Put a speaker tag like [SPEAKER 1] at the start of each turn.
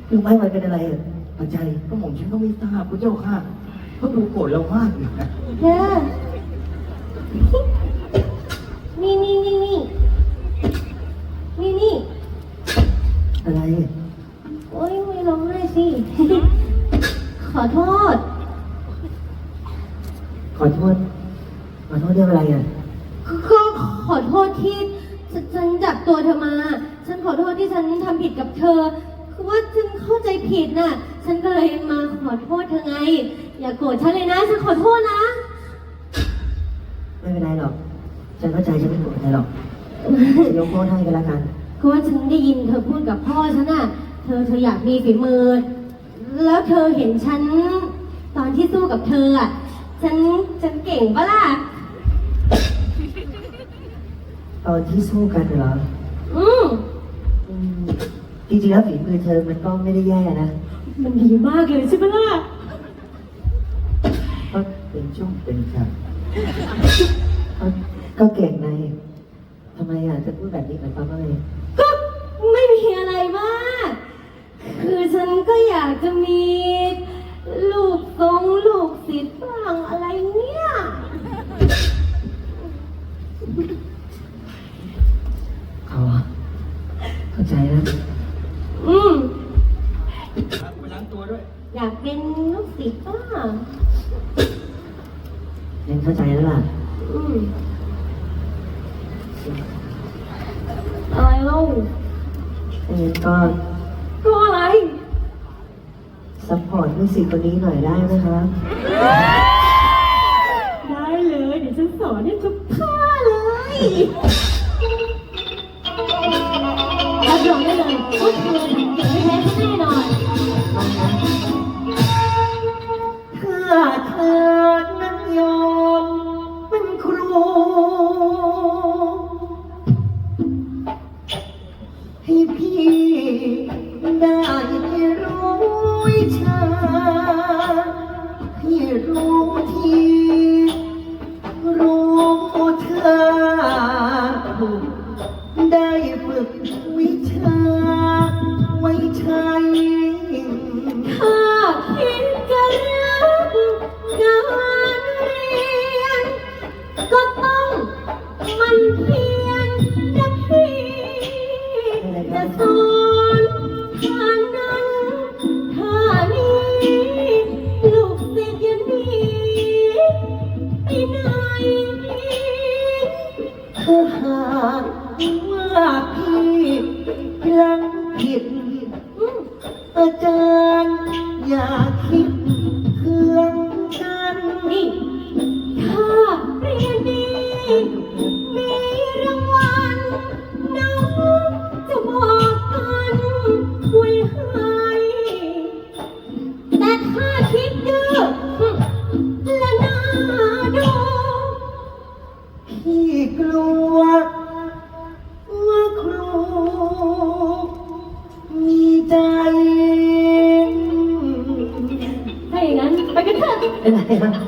[SPEAKER 1] ลุงไม้มันเป็นอะไรอ่ะปัจจัย
[SPEAKER 2] ก็หม่อมฉันก็ไม่ทราบพระเจ้าค่ะเขาดูโกรธเรามากอยู่นะ
[SPEAKER 3] เธอนี่
[SPEAKER 1] อะไร
[SPEAKER 3] โอ๊ยไม่ร้องไห้สิ ขอโทษ
[SPEAKER 1] ขอโทษเรื่องอะไรอ่ะ
[SPEAKER 3] ก็ขอโทษที่ฉันจับตัวเธอมา ฉันขอโทษที่ฉันทำผิดกับเธอ คือว่าฉันเข้าใจผิดน่ะ ฉันก็เลยมาขอโทษเธอไง อย่าโกรธฉันเลยนะ ฉันขอโทษนะ
[SPEAKER 1] ไม่เป็นไรหรอกฉันเข้าใจฉันไม่โกรธใครหรอกจะยกโทษให้กันละกัน
[SPEAKER 3] คือว่าฉันได้ยินเธอพูดกับพ่อฉันน่ะ เธออยากมีฝีมือ แล้วเธอเห็นฉันตอนที่สู้กับเธออ่ะ ฉันเก่งปะล่ะ
[SPEAKER 1] ตอนที่สู้กันเหรอ
[SPEAKER 3] อืม
[SPEAKER 1] อืมจริงๆแล้วฝีมือเธอมันก็ไม่ได้แย่นะ
[SPEAKER 3] มันดีมากเลยใช่ปะล่ะ
[SPEAKER 1] ก็เป็นช่วงเป็นฉากก็เก่งในทำไมอ่ะจะพูดแบบนี้หมายความว่าไง
[SPEAKER 3] ก็ไม่มีอะไรมาก คือฉันก็อยากจะมีลูกทรงลูกศิษย์บ้างอะไรเนี่ย
[SPEAKER 1] เข้าใจแล้ว
[SPEAKER 3] อืม
[SPEAKER 2] ไปล้างตัวด้วย
[SPEAKER 3] อยากเป็นลูกศิษย์บ้าง
[SPEAKER 1] ยังเข้าใจแล้วล่ะ
[SPEAKER 3] อืมอะไรเล่า
[SPEAKER 1] งั้นก็
[SPEAKER 3] ก็อะไร
[SPEAKER 1] ซัพพอร์ตลูกศิษย์คนนี้หน่อยได้ไหมครับ
[SPEAKER 3] ได้เลย เดี๋ยวฉันสอนให้ทุกท่าเลยรับรองได้เลยว่าเธอทำเก่งไม่แพ้ฉันแน่นอน
[SPEAKER 1] ถ้าเธอนั้นยอมเป็นครูให้พี่ได้รู้วิชาให้รู้ที่รู้เธอได้ฝึกวิชาไว้ใช้
[SPEAKER 3] ถ้าคิดจะรักงานเรียน ก็ต้องมันเพียรนะพี่จะสอนท่านั้นท่านี้ลูกศิษย์อยังนี้ที่ไหน
[SPEAKER 1] ถ้าหากว่าพี่พลังผิด อาจารย์อย่าคิดเครื่องกัน
[SPEAKER 3] นี่ ถ้าเรียนดีมีรางวัลน้องจะบอกกันไว้ให้แต่ถ้าคิดดื้อและน่าดู
[SPEAKER 1] พี่กลัวว่าครูมีใจ
[SPEAKER 3] ถ้าอย่างนั้นไปกันเถอะ
[SPEAKER 1] เป็นไรครับ